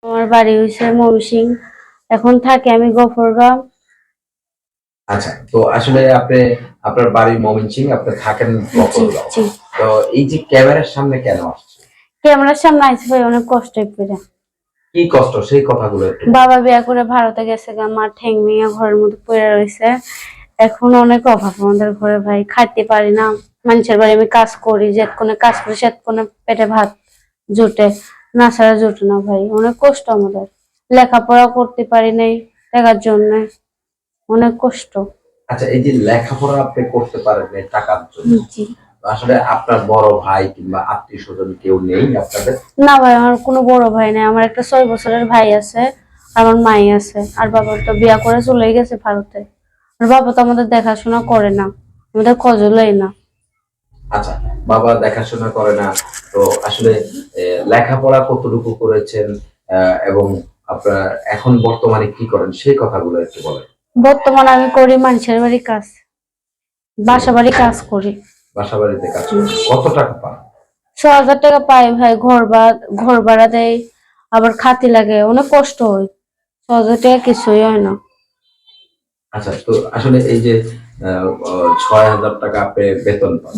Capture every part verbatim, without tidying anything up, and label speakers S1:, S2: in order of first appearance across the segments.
S1: আমার বাড়ি হইছে ময়মনসিংহ, এখন থাকি আমি গফরগাঁও।
S2: আচ্ছা, তো আসলে আপনি আপনার বাড়ি ময়মনসিংহ, আপনি থাকেন
S1: জি
S2: গফরগাঁও।
S1: জি।
S2: তো এই যে ক্যামেরার সামনে কেন আসছে?
S1: ক্যামেরার সামনে আইছি ভাই অনেক কষ্ট করে।
S2: কি কষ্ট সেই কথাগুলো একটু
S1: বাবা বিয়া করে ভারতে গেছে গা, মা ঠ্যাং ভেঙে ঘরের মধ্যে পড়ে রয়েছে। এখন অনেক অভাব আমাদের ঘরে ভাই, খাইতে পারি না। মানুষের বাড়ি আমি কাজ করি, যেতক্ষণে কাজ করি সেতক্ষণে পেটে ভাত জোটে, না ছাড়া জোটে না ভাই। অনেক কষ্ট আমাদের, লেখাপড়া করতে পারি নাই টাকার জন্য, অনেক কষ্ট।
S2: আচ্ছা, এই যে লেখাপড়া আপনি করতে পারেন না টাকার জন্য,
S1: জি।
S2: আসলে আপনার বড় ভাই কিংবা আত্মীয় স্বজন কেউ নেই আপনাদের?
S1: না ভাই, আমার কোনো বড় ভাই নাই। আমার একটা ছয় বছরের ভাই আছে, আমার মাই আছে। আর বাবা তো বিয়া করে চলে গেছে ভারতে। আর বাবা তো আমাদের দেখাশোনা করে না, আমাদের খোঁজও লয় না।
S2: আচ্ছা, বাবা দেখাশোনা করে না, তো আসলে লেখাপড়া কতটুকু করেছেন এবং আপনার এখন বর্তমানে কি করেন সেই কথাগুলো একটু বলেন।
S1: বর্তমানে আমি করি মানুষের বাড়ি কাজ, বাসা বাড়ি কাজ করি।
S2: বাসা বাড়িতে কাজ করেন, কত টাকা পান?
S1: ছ হাজার টাকা পাই ভাই। ঘর ভাড়া ঘর ভাড়া দেয়, আবার খাতি লাগে, অনেক কষ্ট হয়। ছ হাজার টাকা কিছুই হয় না।
S2: আচ্ছা, তো আসলে এই যে ছয় হাজার টাকা আপনি বেতন পান,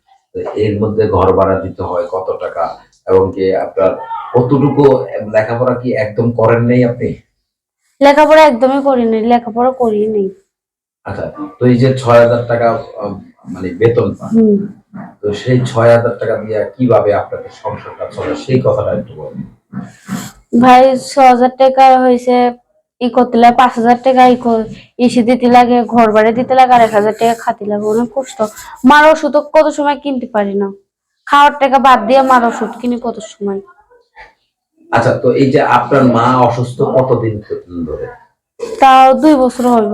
S2: এর মধ্যে ঘর ভাড়া দিতে হয় কত টাকা, এবং কি আপনার কতটুকু লেখাপড়া কি একদম করেন নাই আপনি?
S1: লেখাপড়া একদমই করিনি, লেখাপড়া করিনি।
S2: আচ্ছা, তো এই যে ছয় হাজার টাকা মানে বেতন পান, তো সেই ছয় হাজার টাকা দিয়ে কিভাবে আপনাদের সংসারটা চলে সেই কথাটা একটু বলুন
S1: ভাই। ছ হাজার টাকা হয়েছে ই করতে লাগে, পাঁচ হাজার টাকা ইসে দিতে লাগে, ঘর বাড়ি দিতে লাগে, আর এক হাজার টাকা খাতে লাগে। অনেক কষ্ট। মার ওষুধ কত সময় কিনতে পারি না, খাওয়ার টাকা বাদ দিয়ে মার ওষুধ কিনি কত সময়।
S2: আচ্ছা, তো এই যে আপনার মা অসুস্থ কতদিন ধরে?
S1: তাও দুই বছর হইব।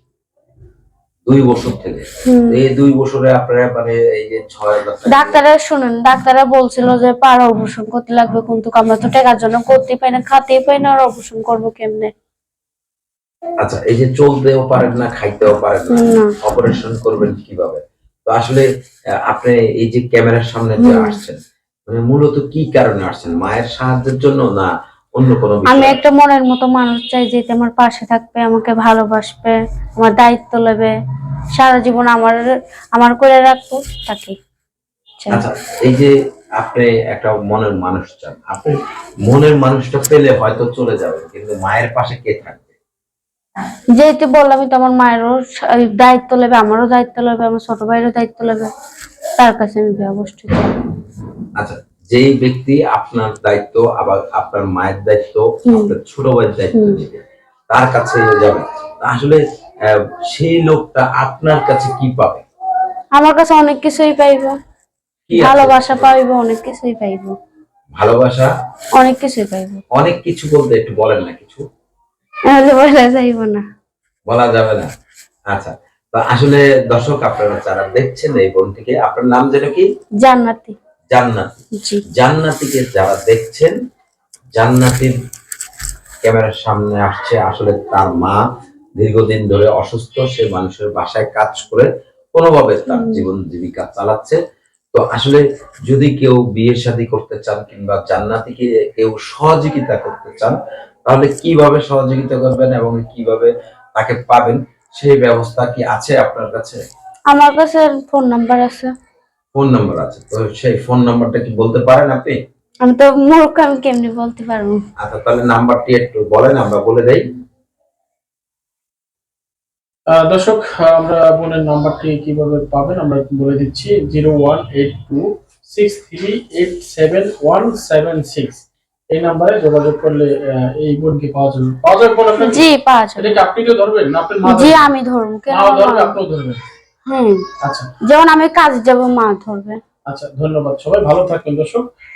S2: দুই বছর থেকে? এই দুই বছরে আপনারা মানে এই যে ছয় হাজার
S1: ডাক্তাররা শুনেন, ডাক্তাররা বলছিল যে পার অপারেশন করতে লাগবে, কিন্তু আমরা তো টাকার জন্য করতে পাই না, খাতেই পাই না, আর অপারেশন করবো কেমনে?
S2: আচ্ছা, এই যে চলতেও পারেন না, খাইতেও পারেন না, অপারেশন করবেন কিভাবে? তো আসলে আপনি এই যে ক্যামেরার সামনে যে আসছেন, মানে মূলত কি কারণে আসছেন? মায়ের সাহায্যের জন্য না অন্য কোনো বিষয়?
S1: আমি একটা মনের মতো মানুষ চাই, যে আমার পাশে থাকবে, আমাকে ভালোবাসবে, আমার দায়িত্ব নেবে, সারা জীবন আমার আমার করে রাখবো তাকে।
S2: আচ্ছা, এই যে আপনি একটা মনের মানুষ চান, আপনি মনের মানুষটা পেলে হয়তো চলে যাবেন, কিন্তু মায়ের পাশে কে থাকবে?
S1: যেহেতু বললামই তো, আমার মায়েরও দায়িত্ব নেবে, আমারও দায়িত্ব নেবে, আমার ছোট ভাইয়েরও দায়িত্ব নেবে, তার কাছে আমি বিয়ে বসতে চাই।
S2: আচ্ছা, যেই ব্যক্তি আপনার দায়িত্ব, আবার আপনার মায়ের দায়িত্ব, আপনার ছোট ভাইয়ের দায়িত্ব নেবে, তার কাছে যাবে, আসলে সেই লোকটা আপনার কাছে কি পাবে?
S1: আমার কাছে অনেক কিছুই পাইবো, ভালোবাসা পাইবো, অনেক কিছুই পাইবো।
S2: ভালোবাসা
S1: অনেক কিছুই পাইবো।
S2: অনেক কিছু বলতে একটু বলেন না কিছু।
S1: তাহলে বলা যাইব না,
S2: বলা যাবে না। আচ্ছা, তো আসলে দর্শক আপনারা যারা দেখছেন এই বোনটিকে, আপনার নাম যেন কি?
S1: জান্নাতি।
S2: জান্নাতি।
S1: জি।
S2: জান্নাতিকে যারা দেখছেন, জান্নাতির ক্যামেরার সামনে আসছে, আসলে তার মা দীর্ঘদিন ধরে অসুস্থ, সে মানুষের বাসায় কাজ করে কোনোভাবে তার জীবন জীবিকা চালাচ্ছে। তো আসলে যদি কেউ বিয়ে শাদী করতে চান কিংবা জান্নাতিকে কেউ সহযোগিতা করতে চান, তাহলে কিভাবে সহযোগিতা করবেন এবং কিভাবে তাকে পাবেন সেই ব্যবস্থা কি আছে আপনার কাছে?
S1: আমার কাছে ফোন নাম্বার আছে।
S2: ফোন নাম্বার আছে, তো সেই ফোন নাম্বারটা কি বলতে পারেন আপনি?
S1: আমি তো মূর্খ, আমি কেমনি বলতে পারবো?
S2: আচ্ছা, তাহলে নাম্বারটি একটু বলেন, আমরা বলে দেই।
S3: দর্শক, আমরা বোনের নাম্বারটি কিভাবে পাবেন আমরা বলে দিচ্ছি। Zero one eight two six three eight seven one seven six এই নাম্বারে যোগাযোগ করলে এই বোনকে পাওয়া যাবে। পাওয়া যাবে বোন আপনাকে?
S1: জি, পাওয়া যাবে।
S3: এটা আপনি তো ধরবেন না আপনার মা?
S1: জি, আমি ধরবো। কেন
S3: মা ধরবে, আপনিও ধরবেন?
S1: হুম।
S3: আচ্ছা,
S1: যখন আমি কাজে যাব মা ধরবে।
S3: আচ্ছা, ধন্যবাদ। সবাই ভালো থাকবেন দর্শক।